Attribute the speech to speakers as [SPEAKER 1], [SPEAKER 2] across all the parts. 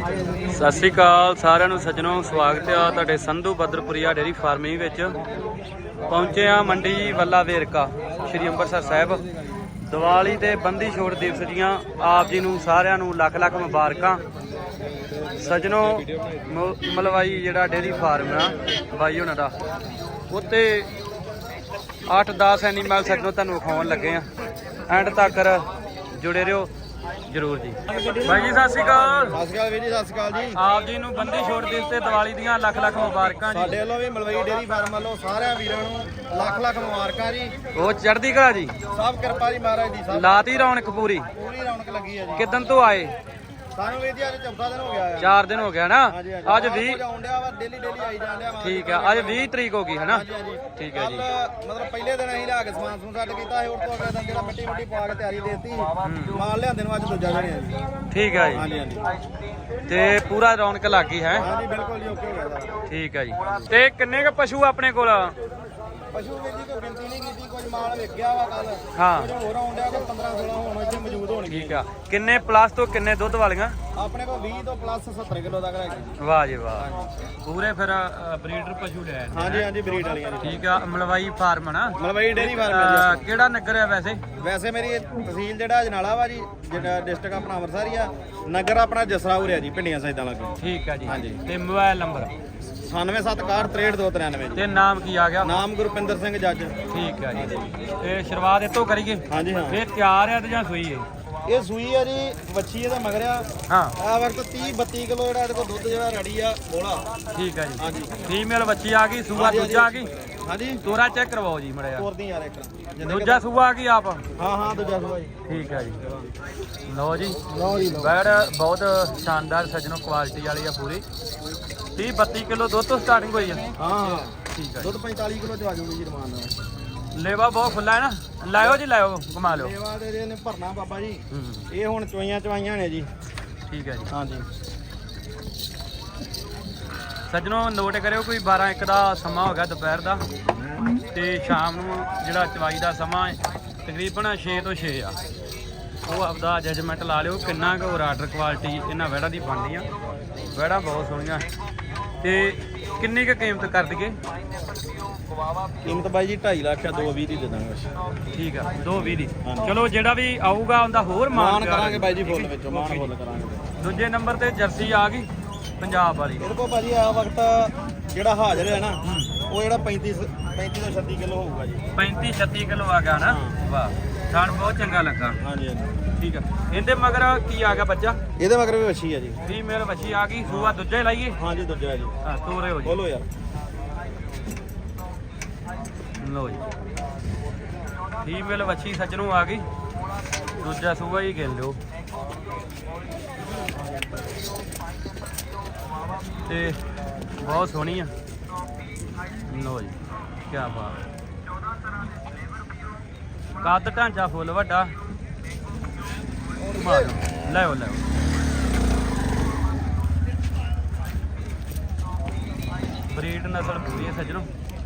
[SPEAKER 1] ਸਤਿ ਸ਼੍ਰੀ ਅਕਾਲ ਸਾਰਿਆਂ ਨੂੰ ਸੱਜਣੋ, ਸਵਾਗਤ ਹੈ ਤੁਹਾਡੇ ਸੰਧੂ ਬਦਰਪੁਰੀਆ ਡੇਅਰੀ ਫਾਰਮਿੰਗ ਵਿੱਚ। ਪਹੁੰਚੇ ਆ ਮੰਡੀ ਵੱਲਾ ਵੇਰਕਾ ਸ਼੍ਰੀ ਅੰਮ੍ਰਿਤਸਰ ਸਾਹਿਬ। ਦੀਵਾਲੀ ਤੇ ਬੰਦੀ ਛੋੜ ਦਿਵਸ ਦੀਆਂ ਆਪ ਜੀ ਨੂੰ ਸਾਰਿਆਂ ਨੂੰ ਲੱਖ ਲੱਖ ਮੁਬਾਰਕਾਂ। ਸੱਜਣੋ, ਮਲਵਾਈ ਜਿਹੜਾ ਡੇਅਰੀ ਫਾਰਮ ਆ ਬਾਈ ਉਹਨਾਂ ਦਾ, ਉੱਤੇ 8-10 ਐਨੀਮਲ ਸੱਜਣੋ ਤੁਹਾਨੂੰ ਵਿਖਾਉਣ ਲੱਗੇ ਆ। ਐਂਡ ਤੱਕ ਜੁੜੇ ਰਹੋ ਜਰੂਰ ਜੀ। ਬਾਈ ਜੀ ਸਤਿ ਸ਼੍ਰੀ ਅਕਾਲ।
[SPEAKER 2] ਸਤਿ ਸ਼੍ਰੀ ਅਕਾਲ ਵੀਰ ਜੀ, ਸਤਿ ਸ਼੍ਰੀ ਅਕਾਲ ਜੀ।
[SPEAKER 1] ਆਪ ਜੀ ਨੂੰ ਬੰਦੀ ਛੋੜ ਦਿਵਸ ਤੇ ਦੀਵਾਲੀ ਦੀਆਂ ਲੱਖ ਲੱਖ ਮੁਬਾਰਕਾਂ ਜੀ।
[SPEAKER 2] ਸਾਡੇ ਵੱਲੋਂ ਵੀ ਮਲਵਈ ਡੇਅਰੀ ਫਾਰਮ ਵੱਲੋਂ ਸਾਰਿਆਂ ਵੀਰਾਂ ਨੂੰ ਲੱਖ ਲੱਖ ਮੁਬਾਰਕਾਂ ਜੀ।
[SPEAKER 1] ਉਹ ਚੜ੍ਹਦੀ ਕਲਾ ਜੀ,
[SPEAKER 2] ਸਭ ਕਿਰਪਾ ਜੀ ਮਹਾਰਾਜ ਦੀ। ਸਭ
[SPEAKER 1] ਲਾਤੀ ਰੌਣਕ ਪੂਰੀ
[SPEAKER 2] ਰੌਣਕ ਲੱਗੀ ਹੈ ਜੀ।
[SPEAKER 1] ਕਿਦਨ ਤੋਂ ਆਏ?
[SPEAKER 2] ਸਾਨੂੰ ਵੀਰ ਜੀ ਅੱਜ ਚੌਥਾ ਦਿਨ ਹੋ ਗਿਆ ਹੈ।
[SPEAKER 1] 4 ਦਿਨ ਹੋ ਗਿਆ ਨਾ। ਅੱਜ 20
[SPEAKER 2] ਆਉਂਦਿਆ ਵਾ, ਡੇਲੀ ਆਈ ਜਾਂਦਿਆ ਵਾ।
[SPEAKER 1] ਠੀਕ ਆ, ਅੱਜ 20 ਤਰੀਕ ਹੋ ਗਈ ਹੈ ਨਾ। ਠੀਕ ਹੈ ਜੀ।
[SPEAKER 2] ਮਤਲਬ ਪਹਿਲੇ ਦਿਨ ਅਸੀਂ ਲਿਆ ਕੇ ਸਮਾਨ ਸਮੂਨ ਸੈੱਟ ਕੀਤਾ ਸੀ, ਉਸ ਤੋਂ ਅਗਲੇ ਦਿਨ ਜਿਹੜਾ ਮਿੱਟੀ ਪਾ ਕੇ ਤਿਆਰੀ ਦੇਤੀ, ਮਾਲ ਲਿਆਂਦੇ ਨੂੰ ਅੱਜ ਦੂਜਾ ਦਿਨ ਹੈ ਜੀ।
[SPEAKER 1] ਠੀਕ ਹੈ ਜੀ।
[SPEAKER 2] ਹਾਂਜੀ ਹਾਂਜੀ,
[SPEAKER 1] ਤੇ ਪੂਰਾ ਰੌਣਕ ਲੱਗ ਗਈ ਹੈ।
[SPEAKER 2] ਹਾਂਜੀ ਬਿਲਕੁਲ ਜੀ, ਓਕੇ ਹੋ ਗਿਆ।
[SPEAKER 1] ਠੀਕ ਹੈ ਜੀ। ਤੇ ਕਿੰਨੇ ਕ ਪਸ਼ੂ ਆਪਣੇ ਕੋਲ?
[SPEAKER 2] ਪਸ਼ੂ ਵੀਰ ਜੀ ਕੋਈ ਗਿਣਤੀ ਨਹੀਂ ਕੀਤੀ, ਕੁਝ ਮਾਲ ਵਿਕ ਗਿਆ ਵਾ ਕੱਲ।
[SPEAKER 1] ਹਾਂ,
[SPEAKER 2] ਕੁਝ ਹੋਰ ਆਉਂਦਿਆ, ਕੋਈ 15-16 ਹੁਣ ਇੱਥੇ ਮੌਜੂਦ ਹੋਣਗੇ।
[SPEAKER 1] ਠੀਕ ਆ। ਕਿੰਨੇ ਪਲੱਸ ਤੋਂ ਕਿੰਨੇ ਦੁੱਧ ਵਾਲੀਆਂ?
[SPEAKER 2] ਆਪਣੇ ਕੋਲ 20 ਤੋਂ ਪਲੱਸ 70 ਕਿਲੋ ਤੱਕ ਹੈਗੇ।
[SPEAKER 1] ਵਾਹ ਜੀ ਵਾਹ, ਪੂਰੇ ਫਿਰ ਬਰੀਡਰ ਪਸ਼ੂ ਲੈ।
[SPEAKER 2] ਹਾਂਜੀ ਹਾਂਜੀ, ਬਰੀਡ ਵਾਲੀਆਂ ਜੀ।
[SPEAKER 1] ਠੀਕ ਆ। ਮਲਵਾਈ ਫਾਰਮ ਨਾ,
[SPEAKER 2] ਮਲਵਈ ਡੇਅਰੀ ਫਾਰਮ ਹੈ ਜੀ।
[SPEAKER 1] ਕਿਹੜਾ ਨਗਰ ਹੈ ਵੈਸੇ?
[SPEAKER 2] ਵੈਸੇ ਮੇਰੀ ਤਹਿਸੀਲ ਜਿਹੜਾ ਅਜਨਾਲਾ ਵਾ ਜੀ, ਜਿਹੜਾ ਡਿਸਟ੍ਰਿਕਟ ਆਪਣਾ ਅੰਮ੍ਰਿਤਸਰ ਹੀ ਆ। ਨਗਰ ਆਪਣਾ ਜਸਰਾਉਰ ਹੈ ਜੀ, ਪਿੰਡੀਆਂ ਸਾਈਦਾਂ ਲੱਗੇ।
[SPEAKER 1] ਠੀਕ ਆ ਜੀ।
[SPEAKER 2] ਹਾਂਜੀ।
[SPEAKER 1] ਤੇ ਮੋਬਾਈਲ ਨੰਬਰ?
[SPEAKER 2] 9761638293 ਜੀ।
[SPEAKER 1] ਤੇ ਨਾਮ ਕੀ ਆ ਗਿਆ?
[SPEAKER 2] ਨਾਮ ਗੁਰਪਿੰਦਰ ਸਿੰਘ ਜੱਜ।
[SPEAKER 1] ਠੀਕ ਆ ਜੀ। ਤੇ ਸ਼ੁਰੂਆਤ ਇਤੋਂ ਕਰੀਏ?
[SPEAKER 2] ਹਾਂਜੀ ਹਾਂ।
[SPEAKER 1] ਇਹ ਤਿਆਰ ਆ ਤੇ ਜਾਂ ਸੂਈ ਹੈ?
[SPEAKER 2] ਇਹ ਸੂਈ ਆ ਜੀ, ਵੱਛੀ ਇਹਦਾ ਮਗਰਿਆ।
[SPEAKER 1] ਹਾਂ,
[SPEAKER 2] ਆ ਵਕਤ 30-32 ਕਿਲੋ ਜਿਹੜਾ ਇਹਦੇ ਕੋਲ ਦੁੱਧ ਜਿਹੜਾ ਰੈਡੀ ਆ ਬੋਲਾ।
[SPEAKER 1] ਠੀਕ ਆ ਜੀ।
[SPEAKER 2] ਹਾਂਜੀ।
[SPEAKER 1] ਫੀਮੇਲ ਬੱਚੀ ਆ ਗਈ, ਸੂਆ ਦੂਜਾ ਆ ਗਈ।
[SPEAKER 2] ਹਾਂਜੀ,
[SPEAKER 1] ਤੋਰਾ ਚੈੱਕ ਕਰਵਾਓ ਜੀ ਮੜਿਆ।
[SPEAKER 2] ਤੋਰਦੀ ਯਾਰ ਇੱਕ
[SPEAKER 1] ਦੂਜਾ ਸੂਆ ਆ ਗਈ ਆਪ?
[SPEAKER 2] ਹਾਂ ਹਾਂ, ਦੂਜਾ ਸੂਆ ਜੀ।
[SPEAKER 1] ਠੀਕ ਆ ਜੀ। ਲਓ ਜੀ,
[SPEAKER 2] ਲਓ ਜੀ ਲਓ।
[SPEAKER 1] ਬੈੜ ਬਹੁਤ ਸ਼ਾਨਦਾਰ ਸੱਜਣੋ, ਕੁਆਲਿਟੀ ਵਾਲੀ ਆ ਪੂਰੀ। 30-32 ਕਿਲੋ ਦੁੱਧ ਤੋਂ ਸਟਾਰਟਿੰਗ ਹੋਈ ਆ।
[SPEAKER 2] ਹਾਂ ਹਾਂ,
[SPEAKER 1] ਠੀਕ ਆ।
[SPEAKER 2] ਦੁੱਧ 45 ਕਿਲੋ ਚ ਆ ਜਾਊਗੀ ਜੀ ਰਮਾਨ ਨਾਲ।
[SPEAKER 1] ਲੇਵਾ ਬਹੁਤ ਖੁੱਲਾ ਹੈ ਨਾ। ਲਾਇਓ ਜੀ, ਲਾਇਓ, ਘੁਮਾ ਲਿਓ।
[SPEAKER 2] ਸੇਵਾ ਦੇ ਇਹਨੇ ਭਰਨਾ ਬਾਬਾ ਜੀ।
[SPEAKER 1] ਹੂੰ,
[SPEAKER 2] ਇਹ ਹੁਣ ਚਵਾਈਆਂ ਨੇ ਜੀ।
[SPEAKER 1] ਠੀਕ ਹੈ ਜੀ।
[SPEAKER 2] ਹਾਂਜੀ
[SPEAKER 1] ਸੱਜਣੋ, ਨੋਟ ਕਰਿਓ, ਕੋਈ 12-1 ਦਾ ਸਮਾਂ ਹੋ ਗਿਆ ਦੁਪਹਿਰ ਦਾ, ਤੇ ਸ਼ਾਮ ਨੂੰ ਜਿਹੜਾ ਚਵਾਈ ਦਾ ਸਮਾਂ ਤਕਰੀਬਨ 6 ਤੋਂ 6 ਆ। ਉਹ ਆਪਦਾ ਜਜਮੈਂਟ ਲਾ ਲਿਓ ਕਿੰਨਾ ਕੁ ਆਰਡਰ ਕੁਆਲਿਟੀ ਇਹਨਾਂ ਵੈੜਾਂ ਦੀ ਬਣਦੀ ਆ। ਵੈੜਾਂ ਬਹੁਤ ਸੋਹਣੀਆਂ। ਤੇ ਕਿੰਨੀ ਕੁ ਕੀਮਤ ਕਰ ਦਈਏ?
[SPEAKER 2] ਕੀਮਤ ਬਾਈ ਜੀ 2.5 ਲੱਖ ਆ, 2.20 ਦੀ ਦੇ ਦਾਂਗੇ।
[SPEAKER 1] ਠੀਕ ਆ, 2.20 ਦੀ। ਚਲੋ, ਜਿਹੜਾ ਵੀ ਆਊਗਾ ਉਹਦਾ ਹੋਰ ਮਾਨ
[SPEAKER 2] ਕਰਾਂਗੇ ਬਾਈ ਜੀ, ਫੁੱਲ ਵਿੱਚੋਂ ਮਾਨ ਫੁੱਲ ਕਰਾਂਗੇ।
[SPEAKER 1] ਦੂਜੇ ਨੰਬਰ ਤੇ ਜਰਸੀ ਆ ਗਈ ਪੰਜਾਬ ਵਾਲੀ।
[SPEAKER 2] ਇਹਦੇ ਕੋਲ ਭਾਜੀ ਆ ਵਕਤ ਜਿਹੜਾ ਹਾਜ਼ਰ ਹੈ ਨਾ, ਉਹ ਜਿਹੜਾ 35 ਤੋਂ 36 ਕਿਲੋ ਹੋਊਗਾ ਜੀ।
[SPEAKER 1] 35-36 ਕਿਲੋ ਆ ਗਿਆ ਨਾ। ਵਾਹ, ਥਣ ਬਹੁਤ ਚੰਗਾ ਲੱਗਾ।
[SPEAKER 2] ਹਾਂਜੀ ਹਾਂਜੀ,
[SPEAKER 1] ਠੀਕ ਆ। ਇਹਦੇ ਮਗਰ ਕੀ ਆ ਗਿਆ ਬੱਚਾ?
[SPEAKER 2] ਇਹਦੇ ਮਗਰ ਵੀ ਵੱਛੀ ਆ ਜੀ।
[SPEAKER 1] ਫੀਮੇਲ ਵੱਛੀ ਆ ਗਈ, ਸੂਆ ਦੂਜਾ ਹੀ ਲਾਈਏ?
[SPEAKER 2] ਹਾਂਜੀ ਦੂਜਾ ਹੈ ਜੀ।
[SPEAKER 1] ਹਾਂ, ਤੋਰੇ ਹੋ ਜੀ।
[SPEAKER 2] ਬੋਲੋ ਯਾਰ।
[SPEAKER 1] ਲਓ ਜੀ, ਫੀਮੇਲ ਵੱਛੀ ਸੱਜਣੋਂ ਆ ਗਈ, ਦੂਜਾ ਸੂਆ ਹੀ ਗਿਣ ਲਿਓ। ਤੇ ਬਹੁਤ ਸੋਹਣੀ ਆ। ਲਓ ਜੀ, ਕੀ ਬਾਤ। ਕੱਦ ਢਾਂਚਾ ਫੁੱਲ ਵੱਡਾ। ਲੈ ਲੈ ਬਰੀਡ ਨਸਲ ਪੂਰੀ ਹੈ ਸੱਜਣੋ।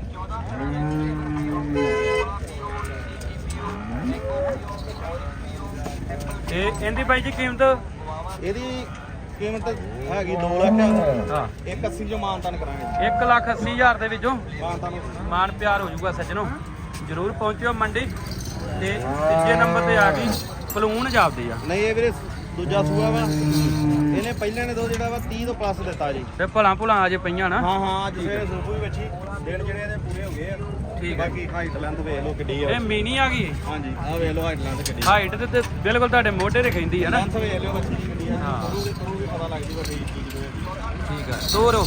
[SPEAKER 1] ਤੇ ਇਹਦੀ ਬਾਈ ਜੀ ਕੀਮਤ?
[SPEAKER 2] ਇਹਦੀ ਕੀਮਤ ਹੈਗੀ 2 ਲੱਖ।
[SPEAKER 1] ਹਾਂ,
[SPEAKER 2] 180 ਜੋ ਮਾਨਤਾਨ ਕਰਾਂਗੇ।
[SPEAKER 1] 1,80,000 ਦੇ ਵਿੱਚੋਂ
[SPEAKER 2] ਮਾਨਤਾਨ
[SPEAKER 1] ਮਾਨ ਪਿਆਰ ਹੋ ਜਾਊਗਾ ਸੱਜਣੋ। ਜਰੂਰ ਪਹੁੰਚਿਓ ਮੰਡੀ। ਤੇ ਤੀਜੇ ਨੰਬਰ ਤੇ ਆ ਗਈ ਪਲੂਣ ਜਾਪਦੀ ਆ।
[SPEAKER 2] ਨਹੀਂ, ਇਹ ਵੀਰੇ ਦੂਜਾ ਸੂਆ ਵਾ। ਇਹਨੇ ਪਹਿਲੇ ਨੇ ਦੋ ਜਿਹੜਾ ਵਾ 30 ਤੋਂ ਪਲੱਸ ਦਿੱਤਾ ਜੀ।
[SPEAKER 1] ਤੇ ਭੁਲਾਂ ਅਜੇ ਪਈਆਂ ਨਾ।
[SPEAKER 2] ਹਾਂ ਹਾਂ, ਅੱਜ ਸਵੇਰੇ ਸੂਪੂ ਵੀ ਵੱਛੀ ਦਿਨ ਜਿਹੜੇ ਇਹਦੇ ਪੂਰੇ ਹੋ ਗਏ ਆ।
[SPEAKER 1] ਠੀਕ ਹੈ।
[SPEAKER 2] ਬਾਕੀ ਹਾਈਟ ਲੈਂਥ ਵੇਖ ਲਓ ਕਿੱਡੀ ਆ।
[SPEAKER 1] ਇਹ ਮਿਨੀ ਆ ਗਈ।
[SPEAKER 2] ਹਾਂਜੀ, ਆਹ ਵੇਖ ਲਓ ਹਾਈਟ ਲੈਂਥ ਕਿੱਡੀ।
[SPEAKER 1] ਹਾਈਟ ਤੇ ਬਿਲਕੁਲ ਤੁਹਾਡੇ ਮੋਢੇ ਤੇ ਖੈਂਦੀ ਹੈ ਨਾ।
[SPEAKER 2] ਲੈਂਥ ਵੇਖ ਲਿਓ ਵੱਛੀ ਦੀ ਕਿੱਡੀ ਆ।
[SPEAKER 1] ਹਾਂ,
[SPEAKER 2] ਤੁਹਾਨੂੰ ਵੀ ਪਤਾ ਲੱਗ ਜੂਗਾ ਠੀਕ ਚੀਜ਼ ਕੋਈ।
[SPEAKER 1] ਠੀਕ ਆ। ਤੋਰੋ।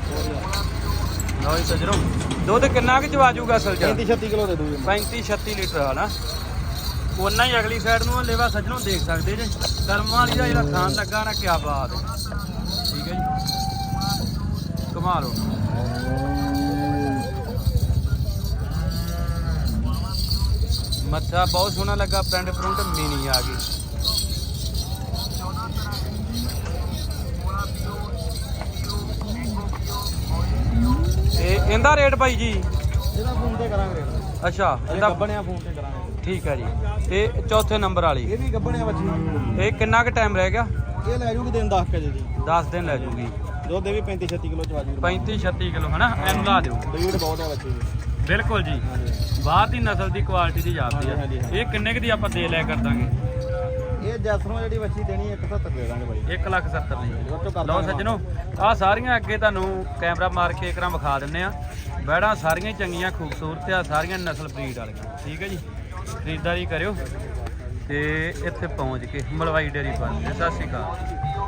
[SPEAKER 1] ਲਓ ਜੀ ਸੱਜਣੋ, ਦੁੱਧ ਕਿੰਨਾ ਕੁ ਚਵਾ ਜੂਗਾ ਅਸਲ ਚ?
[SPEAKER 2] 35-36 ਕਿਲੋ ਦੇ ਦੂਗੇ।
[SPEAKER 1] 35-36 ਲੀਟਰ ਆ ਨਾ। ਉਹਨਾਂ ਹੀ ਅਗਲੀ ਸਾਈਡ ਨੂੰ ਲੇਵਾ ਸੱਜਣੋਂ ਦੇਖ ਸਕਦੇ ਜੇ। ਕਰਮਾਂ ਵਾਲੀ ਦਾ ਜਿਹੜਾ ਖਾਨ ਲੱਗਾ ਨਾ, ਕਿਆ ਬਾਤ ਹੈ। ਠੀਕ ਹੈ ਜੀ, ਘੁਮਾ ਲਓ। ਮੱਥਾ ਬਹੁਤ ਸੋਹਣਾ ਲੱਗਾ, ਪ੍ਰਿੰਟ ਪ੍ਰਿੰਟ ਮਿਨੀ ਆ ਗਈ। ਤੇ ਇਹਦਾ ਰੇਟ ਭਾਈ ਜੀ?
[SPEAKER 2] ਇਹਦਾ ਫੋਨ ਤੇ ਕਰਾਂਗੇ।
[SPEAKER 1] ਅੱਛਾ,
[SPEAKER 2] ਇਹਦਾ ਗੱਬਣਿਆ ਫੋਨ ਤੇ ਕਰਾਂਗੇ।
[SPEAKER 1] ਠੀਕ ਹੈ ਜੀ। ਤੇ ਚੌਥੇ ਨੰਬਰ ਵਾਲੀ
[SPEAKER 2] ਇਹ ਵੀ ਗੱਬਣਿਆ ਬੱਚੀ।
[SPEAKER 1] ਇਹ ਕਿੰਨਾ ਕੁ ਟਾਈਮ ਰਹਿ ਗਿਆ?
[SPEAKER 2] ਇਹ ਲੈ ਜੂਗੀ ਦਿਨ 10 ਵਜੇ ਜੀ।
[SPEAKER 1] 10 ਦਿਨ ਲੈ ਜੂਗੀ
[SPEAKER 2] ਦੁੱਧ ਵੀ 35-36 ਕਿਲੋ ਚਵਾ ਜੂ
[SPEAKER 1] 35-36 ਕਿਲੋ ਹਨਾ ਐਨੂੰ ਲਾ ਦਿਓ
[SPEAKER 2] ਬਰੀਡ ਬਹੁਤ ਹੈ ਬੱਚੇ ਦੀ
[SPEAKER 1] ਬਿਲਕੁਲ ਜੀ ਬਾਹਰ ਦੀ ਨਸਲ ਦੀ ਕੁਆਲਿਟੀ ਦੀ ਜਾਪਦੀ ਆ ਇਹ ਕਿੰਨੇ ਕੁ ਦੀ ਆਪਾਂ ਦੇ ਲਿਆ ਕਰ ਦਾਂਗੇ
[SPEAKER 2] ਇਹ ਜੈਸਨੋਂ ਜਿਹੜੀ ਬੱਚੀ ਦੇਣੀ 170 ਦੇ ਦਾਂਗੇ ਬਾਈ
[SPEAKER 1] 1,70,000 ਦੀ
[SPEAKER 2] ਉਹ ਚੋਂ ਕਰ
[SPEAKER 1] ਲਓ ਸੱਜਣੋ ਆ ਸਾਰੀਆਂ ਅੱਗੇ ਤੁਹਾਨੂੰ ਕੈਮਰਾ ਮਾਰ ਕੇ ਇੱਕਰਾਂ ਵਿਖਾ ਦਿੰਨੇ ਆ ਬੈੜਾਂ ਸਾਰੀਆਂ ਹੀ ਚੰਗੀਆਂ ਖੂਬਸੂਰਤ ਆ ਸਾਰੀਆਂ ਨਸਲ ਬਰੀਡ ਵਾਲੀਆਂ ਠੀਕ ਹੈ ਜੀ ਖਰੀਦਦਾਰੀ ਕਰਿਓ ਤੇ ਇੱਥੇ ਪਹੁੰਚ ਕੇ ਮਲਵਾਈ ਡੇਅਰੀ ਫਾਰਮ ਸਤਿ ਸ਼੍ਰੀ ਅਕਾਲ